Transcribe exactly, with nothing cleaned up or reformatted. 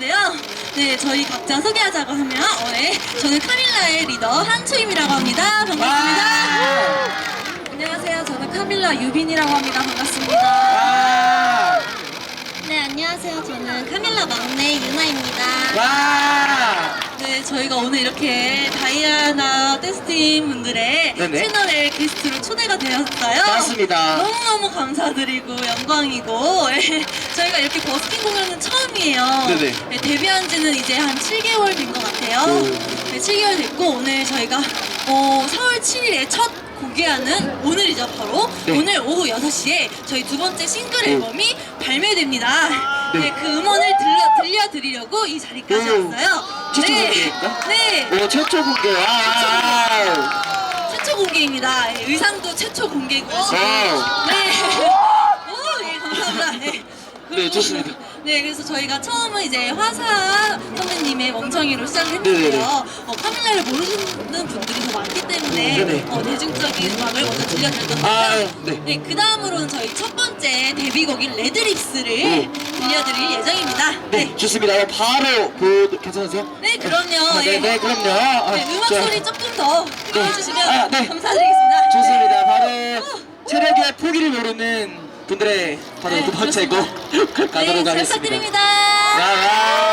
텐데요. 네, 저희 각자 소개하자고 하면 어, 네, 저는 카밀라의 리더 한초임이라고 합니다. 반갑습니다. 안녕하세요. 저는 카밀라 유빈이라고 합니다. 반갑습니다. 네, 안녕하세요. 저는 카밀라 막내 유나입니다. 와! 네, 저희가 오늘 이렇게 다이아나 댄스팀 분들의 네네. 채널에 게스트로 초대가 되었어요. 맞습니다. 너무너무 감사드리고 영광이고 예, 저희가 이렇게 버스킹 공연은 처음이에요. 네네. 네, 데뷔한 지는 이제 한 칠 개월 된 것 같아요. 오. 네, 칠 개월 됐고 오늘 저희가 어, 사월 칠일에 첫 공개하는 오늘이죠 바로 네. 오늘 오후 여섯 시에 저희 두 번째 싱글 오. 앨범이 발매됩니다. 네. 네, 그 음원을 들려, 들려드리려고 이 자리까지 오. 왔어요. 최초 네. 공개인가? 네. 오, 최초 공개. 와! 최초 공개입니다. 예, 의상도 최초 공개고요. 와우. 네. 오, 예, 감사합니다. 네. 그리고- 네, 좋습니다. 네, 그래서 저희가 처음은 이제 화사 선배님의 멍청이로 시작을 네네네. 했는데요. 어, 카밀라를 모르시는 분들이 더 많기 때문에 네네. 어, 대중적인 음악을 먼저 들려드렸던 아, 거고요. 네. 네, 그 다음으로는 저희 첫 번째 데뷔곡인 레드립스를 네. 들려드릴 예정입니다. 네, 네. 좋습니다. 그럼 바로 보 괜찮으세요? 네, 그럼요. 아, 네, 예. 네, 그럼요. 아, 네, 음악 자, 소리 조금 더 크게 네. 해주시면 아, 네. 감사드리겠습니다. 좋습니다. 네. 바로 체력의 포기를 모르는 분들의 바로 네, 두 번째 곡 가도록 네, 잘 하겠습니다. 부탁드립니다. 와, 와.